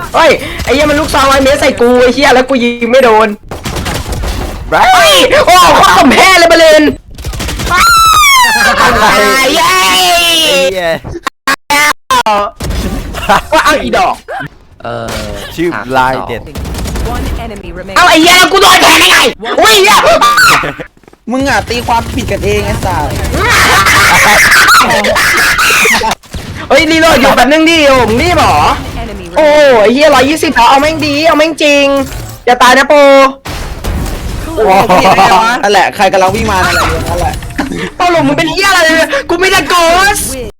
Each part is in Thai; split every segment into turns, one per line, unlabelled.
เฮ้ยไอ้เหี้ยมันลูกซองไอ้เมสใส่กูไอ้เหี้ยแล้วกูยิงไม่โดนเฮ้ยโอ้โคตรกำแพงเลยบอลเลนเย้ว่าเอาอีดอก
ชื่อลายเด็ด
เอาไอ้เหี้ยกูโดนแทงได้ไงอุ้ยเหี้ย
มึงอ่ะตีความผิดกันเองไอ้สัส
เฮ้ยรีโหลดอยู่แบบนึงดิโอ้มึงนี่หรอโอ้ไอ้เหี้ย120เอาแม่งดีเอาแม่งจริงอย่าตายนะโป
นั่นแหละใครกำลังวิ่งมานั่นแหละนั่นแหละ
เปาหลงมึงเป็นเหี้ยอะไรเลยกูไม่ได้โกส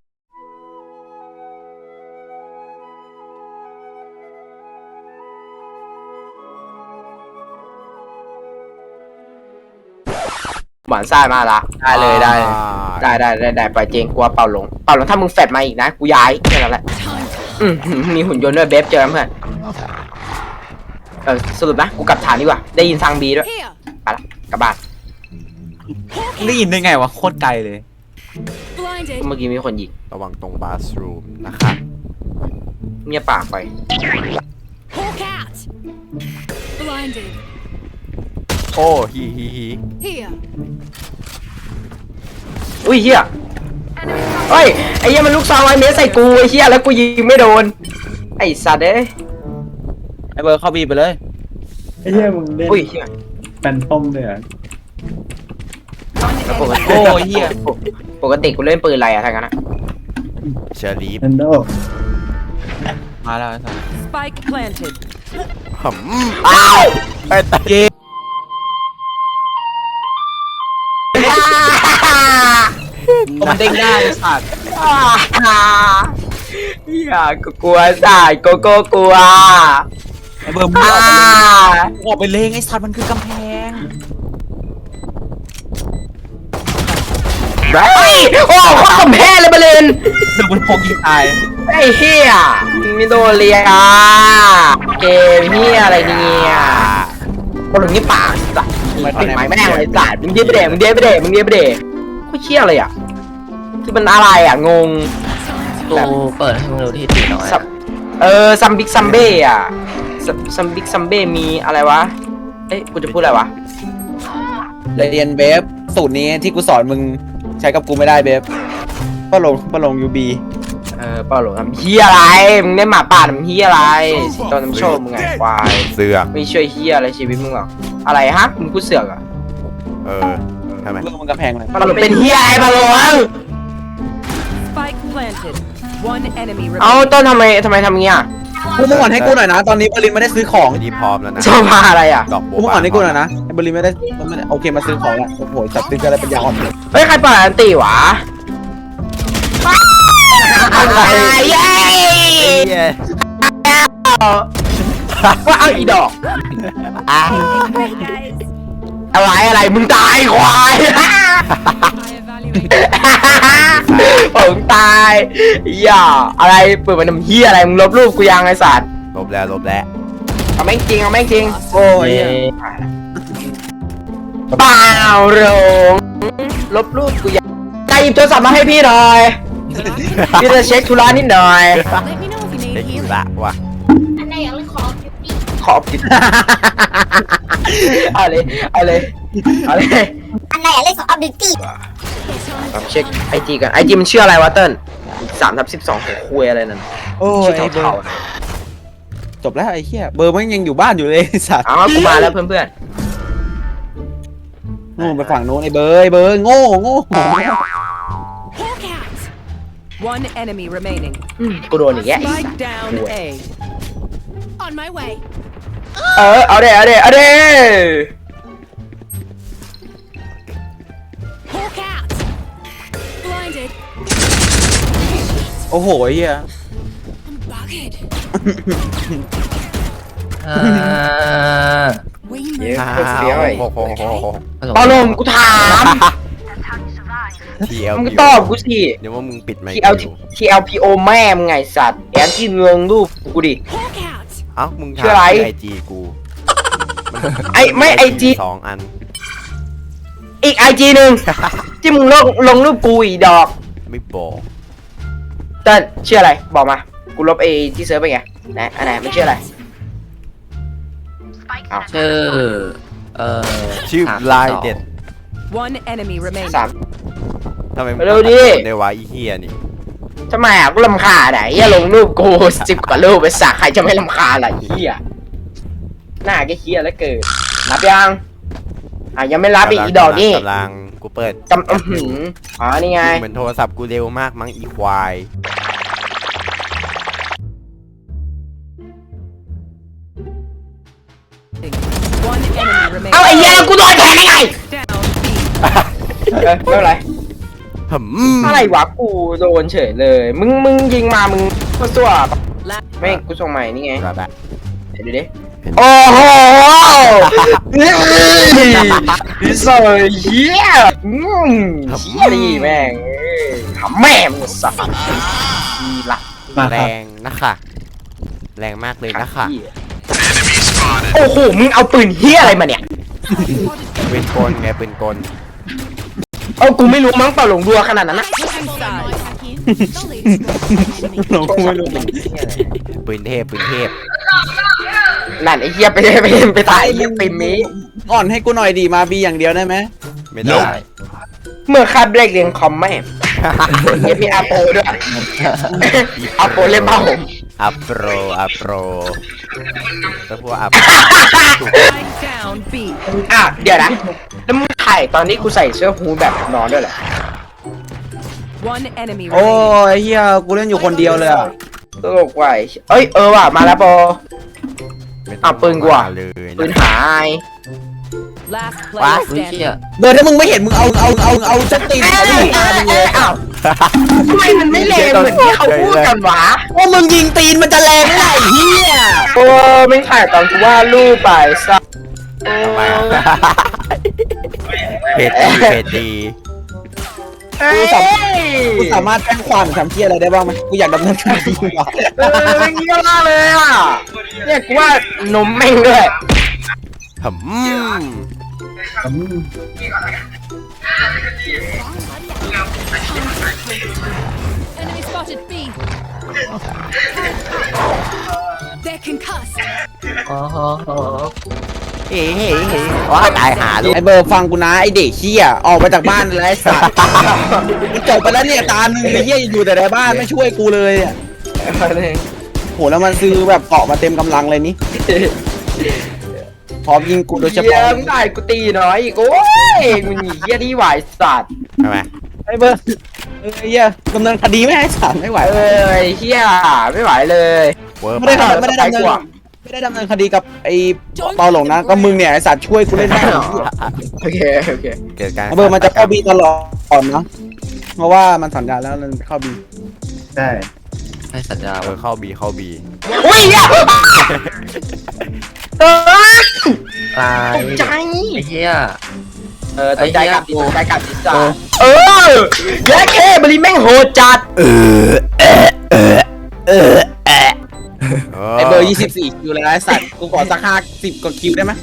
หวานซ่ามาละได้เลยได้ปล่อยเจงกลัวเป่าหลงถ้ามึงแฟดมาอีกนะกูย้ายแค่นั้นแหละมีหุ่นยนต์ด้วยเบฟเจอเพื่อนสรุปนะกูกลับฐานดีกว่าได้ยินทางบีด้วยไปละกลับบ้าน
ได้ยินได้ไงวะโคตรไกลเลย
เมื่อกี้มีคนยิง
ระวังตรงบาสรูมนะครับ
เงียบปากไป
โอ้ฮี
อุ้ยเฮียเฮ้ยไอ้เหี้ยมันลูกซองไอ้เมสใส่กูไอ้เฮียแล้วกูยิงไม่โดนไอ้สัตว์
ไอ้เบอร์เข้าบีไปเลย
ไอ้เหี้ยมึงเล่นแฟนทอมเลยอ่ะ
โอ้ยเหี้ย
ปกติกูเล่นปืนอะไรอะทั้งนั้นอะ
เชอรี่
แอนโด
มาแล้วไอ้สัส
Spike planted
อ้าว
ไอ้ตา
มันเด้งได้ไอ้สัส
อย่ากูกลัวสายโกโก้กลัว
ไอ้เบอร์มึงออกไปเลงไอ้สัสมันคือกำแพง
เฮ้ยโอ้โคตรกำแพงเลยบอลเลน
เดี๋ยวมันพกยิงตาย
ไอ้เฮียมิโดเรียเกมเฮียอะไรเนี่ยบอลหลุดนี่ปากสัตว์ปิดไม้แม่งเลยสัตว์มึงเดียบไปเดมึงเดียบไปเดกูเชี่ยอะไรอ่ะคือมันอะไรอ่ะงง
กูเปิดให้มึงดูที่ตีน้อย
ซัมบิ๊กซัมเบ้อะซัมบิ๊กซัมเบ้มีอะไรวะเอ้ยกูจะพูดอะไรวะ
เรียนเบฟสูตรนี้ที่กูสอนมึงใช้กับกูไม่ได้เบฟป้าลงยูบี
เปล่าหรอกทำเฮียอะไรมึงได้หมาป่าทำเฮียอะไรตอนน้ำโชว์มึงไงควาย
เสือก
ไม่ช่วยเฮียอะไรชีวิตมึงหรอกอะไรฮะมึงพูดเสือกอ่ะ
ทำไม
เรื่องมึงกระแพงเลย
ปลาหลงเป็นเฮียไอ้ปลาหลงเอาต้นทำไมทำเงี้ย
กูมึงอ่อนให้กูหน่อยนะตอนนี้บรินไม่ได้ซื้อของ
ดีพร้อมแล้วนะ
ชอบมาอะไรอ่ะ
กูมึงอ่อนให้กูหน่อยนะบรินไม่ได้โอเคมาซื้อของแล้วโอ้โหจับตึ้งกันอะไรเป็นยาอ่อน
เฮ้ยใครปล่อยอันตีวะอะไรเย้ว่าเอาอีดอกอะไรมึงตายควายผมตายอย่าอะไรเปิดมันทำเฮียอะไรมึงลบรูปกูยังไอ้สัตว์
ลบแล้ว
เอาแม่งจริงโอ้ยเปล่าหลงลบรูปกูยังใจหยิบโทรศัพท์มาให้พี่หน่อยพี่จะเช็คธุระนิดหน่อย
เด็กละว่ะ
อันไหนอยากเล่นข
อผิดเอาเลยอันไหนอยากเล่นขอบิวตี้เช็คไอจีกันไอจีมันชื่ออะไรวะเติ้ล3/12ของคุยอะไรนั่นชื่อเท่า
จบแล้วไอ้เหี้ยเบอร์มันยังอยู่บ้านอยู่เลยสัตว์
กูมาแล้วเพื่อน
โง่ไปฝั่งโน้นไอ้เบอร์โง่
One enemy remaining
กูโดนอีกแยะ
Spike down A
On my way
เอาเด้
Hawk out Blinded
โอ้โหไอ้เหี้ย
I'm bugged
เดี๋ยว
ป
าลมกูถามมึงตอบกูสิ
เดี๋ยวว่ามึงปิดไมค์
TLPO แม่มึงไงสัตว์แอนที่เมืองรูปกูดิ
มึงถามไอจีกู
ไม่ไอจี
2 อัน
อีกไอจีหนึ่งที่มึงลงรูปกูอีดอก
ไม่บอก
เติ้ลชื่ออะไรบอกมากูลบไอ้ที่เซิร์ฟไปไงไหนอันไหนมันชื่ออะไร
ชื่อ
ชื่อ
3
ลายเด็ด
One enemy remaining.
3
ทำไมมึง
เร็วดิ
ในวะอีเฮียนี่
ทำไมอ่ะกูรำคาญไหนอย่าลงรูปกู10 กว่ารูปไปสักใครจะไม่รำคาญล่ะเฮียหน้าแกเฮียแล้วเกิดรับยังยังไม่รับอีดอกนี่
กำลังกูเปิด
นี่ไง
เหมือนโทรศัพท์กูเร็วมากมั้งอีควาย
One enemy remaining.
เอาไอ้เหี้ยกูโดนแทงได้ไง
Down B.
ไม่เป็นไร
หืม
อะไรวะกูโดนเฉยเลย มึงยิงมามึงก็สั่ว
Last
ไม่กูส่งใหม่นี่ไง
แบบแบบ
เดี๋ยวดูดิโอ้โหนี่สวยเฮียเฮียดีแม่งทำแม่มึงสัตว์ดีละ
มา
แร
ครับ
งนะค่ะแรงมากเลยนะค่ะ
โอ้โหมึงเอาปืนเฮียอะไรมาเนี่ย
ปืนกลไงปืนกล
เอากูไม่รู้มั้งเปล่าหลงดัวขนาดนั้นนะ
หลงกูไม่รู้
ปืนเทพปืนเทพ
นั่นไอ้เฮียไปตายไอ้เฮียปิมนี้
อ่อนให้กูหน่อยดีมาบีอย่างเดียวได้ไหม
ไม่ได้
เมื่อคาบเด็กเรียนคอมแม่เฮียมีอาโปด้วยอาโปเล่นผ้าห่ม
อัปโปรอัปโปรแล้วพวกอัป
Spike down B.
เดี๋ยวนะแล้วมึงถ่ายตอนนี้กูใส่เสื้อฮูดแบบนอนด้วยเหรอ
One enemy
โอ้
remaining.
ยเฮียกูเล่นอยู่คนเดียวเลยอ่ะ
ตลกว่ะเอ้ยว่ะมาแล้วโป ปืนกูอะ
เลย
ปืน
นะ
หาย
Last
ว้า
player
อุ้ยเชี่ย
standing.
เบอร์ถ้ามึงไม่เห็นมึงเอาสตีนเอาลูกตามึงเลย
อ้าวทำไมมันไม่แรงเหมือนที่เขาพูดกันวะ
ว่ามึงยิงตีนมันจะแรงไงเฮีย
โอ้ไม่ถ่ายตอนกูว่ารูปไปซะ
ทำไมอะเพจดีเพจดี
กูสามารถแจ้งความทำเฮียอะไรได้บ้างไหมกูอยากดำเนินคดีว่ะ
อย่างนี้ก็ล่าเลยอ่ะเนี่ยกูว่านมแม่งด้วย
หืม
อืม
Enemy spotted B. They're concussed.
อ๋อ
เฮ้เฮ้เฮ้ว้าตายหาลูก
ไอเบอร์ฟังกูนะไอเด็กเฮียออกไปจากบ้านเลยไอ้สัสมันจบไปแล้วเนี่ยตาหนึ่งไอเฮียอยู่แต่ในบ้านไม่ช่วยกูเลยอ่ะโหแล้วมันซื้อแบบเกาะมาเต็มกำลังเลยนี่พร้อมยิงกูโดยเฉ
เยี่ย
พาะ
มได้กูตีน้อยอีกโอ้ยมึงหนีเยี่ยที่ไหวสัตว์
ทำไม
ไอเบอร์เฮียดำเนินคดีไม่ให้สัสไม่ไหว
เฮียไม่ไหวเลย
เวิร์
ไม่ได้ดำเนินคดีกับไอ้เปาหลงนะก็มึงเนี่ยไอสัตว์ช่วยกูเล่นได้
โอเค
เกิดการ
ไอเบอร์มันจะเข้าบีตลอดนะเพราะว่ามันสัญญาแล้วมันเข้าบี
ใช่
ให้สัญญา
เข้าบีเข้าบี
อุ้ยอ่ะ
ตาย
ตกใจ
ไอ้เหี้ย
ตกใจกับดิซ่าแย่เคบริแม่งโหดจัด
ไอเบอร์24คิวเลยนะไอสัตว์กูขอสัก50กว่าคิวได้ไหม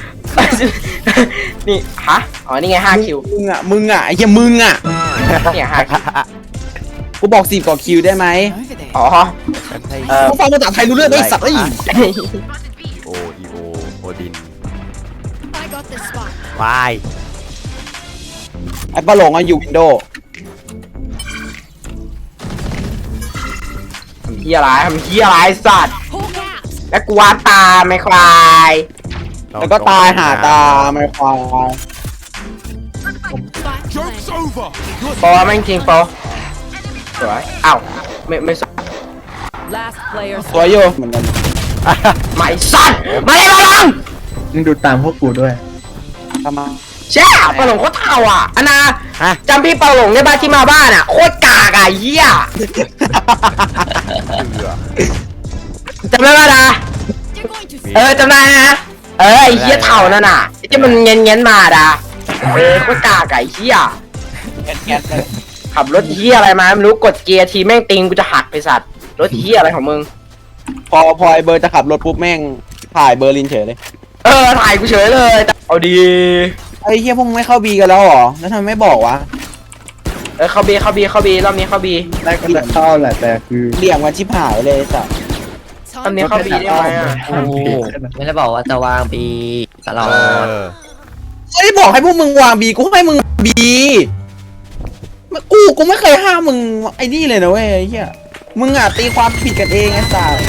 นี่ฮะอ๋อนี่ไง5 คิว
มึงอ่ะไอ้เหี้ยมึงอ่ะ
เนี่ย5 คิว
กูบอก10กว่าคิวได้ไหม
อ๋อ
กูฟังภาษาไทยรู้เรื่องไอ้สัตว์ไอ้
โออีโอโอดิน
I got this spot.
วาย
ไอ้ปลาหลงอะอยู่วินโดว์
ทำเฮียอะไรสัตว์
Hawk out.
แล้วกูวาดตาไม่ควาย
แล้วก็ตายหาตาไม่ควาย
Spike planted.
โปแม่งจริงโปสวยอ้าวไม่สวย
Last player
สวยอยู่เหมือนกัน
ไม่สัตว์มาเลยมาลอง
มึงดูตามพวกกูด้วย
ทำไม
แช่ปลาหลงโคตรเท่าอ่ะอันนาจำพี่ปลาหลงได้บ้านที่มาบ้านอ่ะโคตรกากอ่ะเหี้ยจำได้ป่ะนะ
You're going to
จำได้นะไอ้เหี้ยเท่านั่นน่ะที่มันเงี้ยมาดาโคตรกากไอ้เหี้ย
แก๊สเลย
ขับรถเหี้ยอะไรมาไม่รู้กดเกียร์ทีแม่งติงกูจะหักไปสัตว์รถเหี้ยอะไรของมึง
พอไอ้เบอร์จะขับรถปุ๊บแม่งถ่ายเบอร์ลินเฉยเลย
ถ่ายกูเฉยเลยเอาดี
ไอ้เหี้ยพวกมึงไม่เข้าบีกันแล้วหรอแล้วทำไมไม่บอกวะ
เข้าบีรอบนี้เข้าบี
ได้ก็จะเข้าแหละแต่คือ
เหลี่ยมกันชิบหายเลยไอ้สัตว์
รอบนี้เข้าบีได้ไหมอ่ะ
โอ้โหไม่ได้บอกว่าจะวางปีตลอ
เอ
ด
อ
ไม่ได้บอกให้พวกมึงวางบีกูให้มึงบีกูไม่เคยห้ามมึงไอ้นี่เลยนะเว้ยไอ้เหี้ยมึงอ่ะตีความผิดกันเองไอ้สัส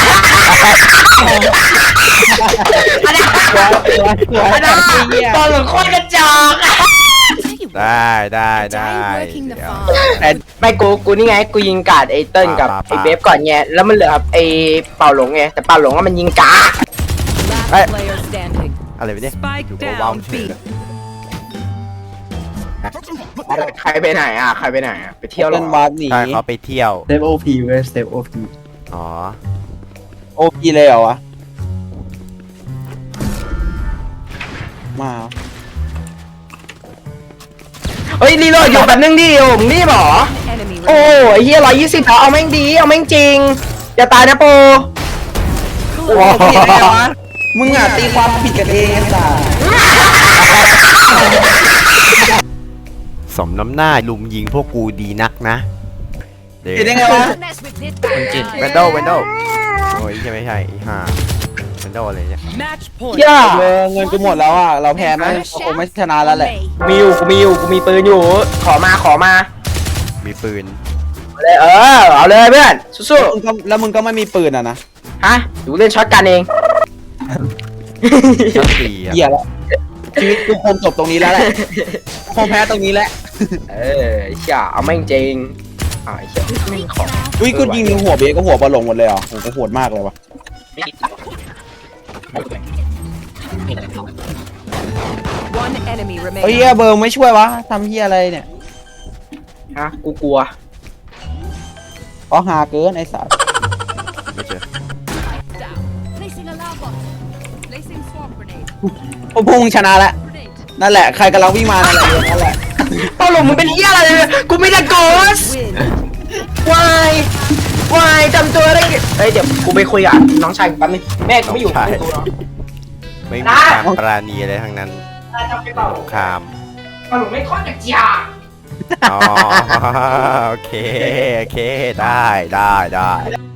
อันนั้นตอนหลังโคตรกระจอก
Tell you what,
ได้
die working the
เดี๋ยว
farm.
ไม่กูนี่ไงกูยิงกาดไอ้เติ้ลกับไอ้เบฟก่อนไงแล้วมันเหลือไอ้เป่าหลงไงแต่เป่าหลงก็มันยิงกา
Last player standing.
อะไรไปเนี่ย
Spike
อยู่กับว้าว
down
เฉย
B.
ใครไปไหนอ่ะไปเที่ยวหร
เล่น
อ
วาร์ปหนี
ใช่เขาไปเที่ยว
สเตปโอพีเว้ยสเตปโอพี
อ๋อ
โอพีเลยเหรอวะมา
เฮ้ยรีโหลดอยู่แบบนึงดิโอ้มึงรีบหรอ
Enemy
โอ้
remaining.
ไอ้เหี้ย120เอาแม่งดีเอาแม่งจริงอย่าตายนะโป
โอ้ผิดได้ไงวะมึงอ่ะตีความผิดกันเองไอ้สัส
สมน้ำหน้าลุมยิงพวกกูดีนักนะเดี๋ยว
ผิดได้ไงวะ
Don't mess with this
คนจิต
เวนโดโอ้ยไม่ใช่อีห่าเวนโดอะไรเนี่ย
Match point.
เหี้ย
เงินกูหมดแล้วอ่ะเราแพ้ไหมเราคงไม่ชนะแล้วแหละ
me.
กูมีปืนอยู่ขอมา
มีปืน
เลยเอาเลยเพื่อนสู้
แล้วมึงก็ไม่มีปืนอ่ะนะ
ๆฮะดูเล่นช็อตกันเอง
สักทีอ่ะ
เหี้ยแล้วชีวิตกูคงจบตรงนี้แล้วแหละคงแพ้ตรงนี้แหละ
ไอ้เหี้ยเอาแม่งจริงไอ้เหี้ยไม่มีของ
อุ้ยกูยิงหัวเบสก็หัวบอลลงหมดเลยเหรอโหกูโหดมากเลยวะ
One enemy
เฮ้ย
remaining.
เบอร์ไม่ช่วยวะทำเฮียอะไรเนี่ย
ฮะกูกลัว
ก็หาเกินไอ้สัส
ไม่เจอ
Down. Placing alarm bot. Placing swamp grenade.
พวกมึงชนะแล้ว
Grenade.
นั่นแหละใครกำลังวิ่งมานั่นแหละนั่นแหละ
เป้าหลงมึงเป็นเหี้ยอะไรเลยกูไม่ได้โกส
Win.
วายจำตัวได้ไงเฮ้ยเดี๋ยวกูไปคุยกับน้องชายกูแป๊บนึงแม่กูไม่อยู่
น้องชาย
ไม่รู้หรอก
ไม่มีความปราณีอะไรทั้งนั้น
จำไปเปล่า
สงคราม
เป้าหลงไม่ค่อยจะเจีย
อ๋อโอเคได้